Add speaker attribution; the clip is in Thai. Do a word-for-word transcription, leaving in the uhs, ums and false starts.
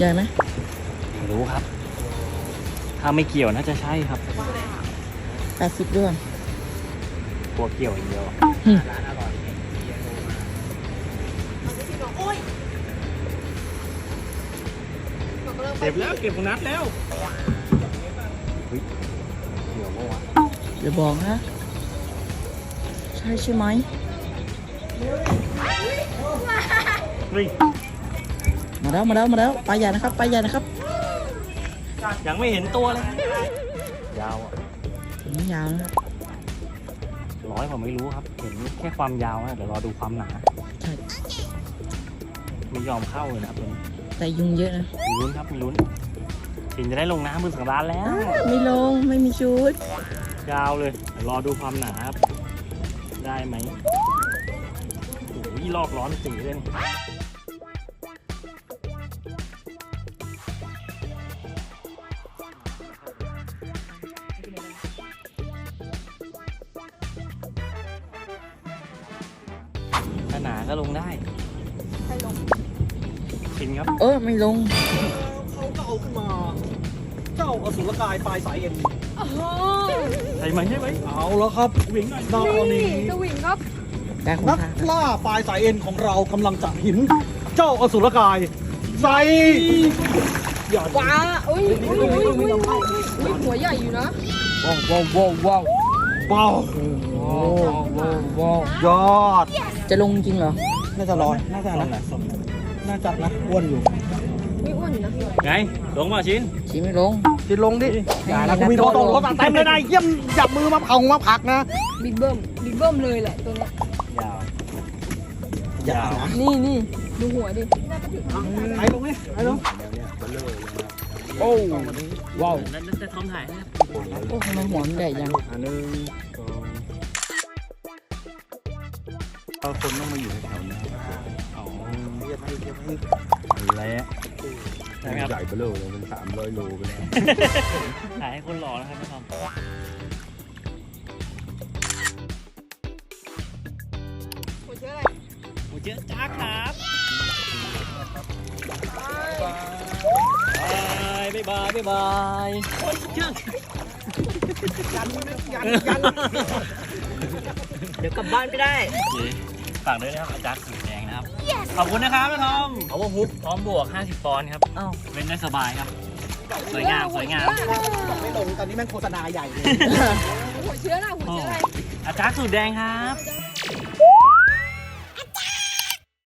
Speaker 1: ญ่ไหม
Speaker 2: ไม่รู้ครับ ถ้าไม่เกี่ยวน่าจะใช่ครับ
Speaker 1: แปดสิบด้วย
Speaker 2: กลัวเกี่ยวอย่างเดียว
Speaker 1: หึ
Speaker 2: เก็บแล้วเก็บของนัดแล้วเฮ้ยเกี่ยวปะวะ
Speaker 1: อย่าบอกนะ ใช่ใช่ไหม
Speaker 2: เฮ้ย
Speaker 1: มาแล้วมาแล้วมาแล้วปลาใหญ่นะครับปลาใหญ่นะครับ
Speaker 2: ยังไม่เห็นตัวเลย ยาวอ่ะ
Speaker 1: ถึงยาวนะครับ
Speaker 2: ร้อยผมไม่รู้ครับ เห็นแค่ความยาวนะเดี๋ยวรอดูความหนา
Speaker 1: ใช่
Speaker 2: ไม่ยอมเข้าเลยนะครับตัวนี้
Speaker 1: แต่ยุงเยอะนะ
Speaker 2: มีลุ้นครับมีลุ้นชินจะได้ลงน้ำมือสังร้านแล้ว
Speaker 1: ไม่ลงไม่มีชุด
Speaker 2: ยาวเลยเดี๋ยวรอดูความหนาครับได้ไหมโอ้ยลอกร้อนสีเลยนี่ถ้าหนาก็ลงได้ชินครับ
Speaker 1: เออไม่ลง
Speaker 3: เขาก็เอาขึ้นมา เจ้าอสุรกายปลายสายเอ็น
Speaker 2: ใช่ไหมใช่ไหม
Speaker 3: เอาแล้วครับวิ่งดาวนี้
Speaker 4: สวิงครับ
Speaker 1: ได้ของ
Speaker 3: นัก
Speaker 1: ข้า
Speaker 3: ล่าปลายสายเอ็นของเรากำลังจะหิน เจ้าอสุรกายใส่อย่า
Speaker 4: ว้าอุ้ยอุ้ยอุ้ยอุ้ยอุ้ยหัวใหญ่อยู่นะ
Speaker 1: ว้าวว้าวว้าวว้าว
Speaker 3: เบา
Speaker 1: ว้าวว้าวว้าวย
Speaker 3: อด
Speaker 1: จะลงจริงเหรอ
Speaker 3: น่าจะลอยน่าจะนะน่าจะนะอ้วนอยู่
Speaker 4: อุ้ยอ้วนอยู่นะ
Speaker 2: ไงลงมาชิน
Speaker 1: ชี้ไม่ลง
Speaker 3: จิลงดิอย่านะกูมีโดนตรงรถเต็มเลยนะเยี่ยมจับมือมาเผามาผักนะ
Speaker 4: บิ๊กเบิ้มบิ๊กเบิ้มเลยแหละตัวเนี้ย
Speaker 2: ยาว
Speaker 3: อย่านะ
Speaker 4: นี่นี่ดูหัวดิ
Speaker 3: ไอ้ลงนี่ไอ้ลง
Speaker 1: โอ้ว้าว
Speaker 2: นั่นจะทอมถ่ายนะครับ
Speaker 1: โอ้ทำไมหัวมันใหญ่จัง
Speaker 2: อันหนึ่งสองเราคนต้องมาอยู่แถวนี้อ๋อแล้วนะครับ
Speaker 5: ใหญ่เบลอเลยมันสามร้อยโลไปแล้ว
Speaker 2: ถ่ายให้คนหล่อนะครับพี่ทอมหมูเจ๊จ้าครับบายบายบายบายโอ้ยเชื่อ
Speaker 3: ยันยันยัน
Speaker 1: เดี๋ยวกลับบ้านไม่ได้
Speaker 2: ฝากด้วยนะครับอาจารย์สีแดงนะครับ ขอบคุณนะครับพี่ทอมเอาว่าฮุบพร้อมบวกห้าสิบปอนด์ครับ
Speaker 1: อ้าว
Speaker 2: เล่นได้สบายครับ สวยงามสวยงาม
Speaker 3: บอกไม่ลงตอนนี้แม่งโฆษณาใหญ่เลย
Speaker 4: หัวเชื้ออะไรหัวเชื้ออะไร
Speaker 2: อาจารย์สูตรแดงครับ
Speaker 4: เ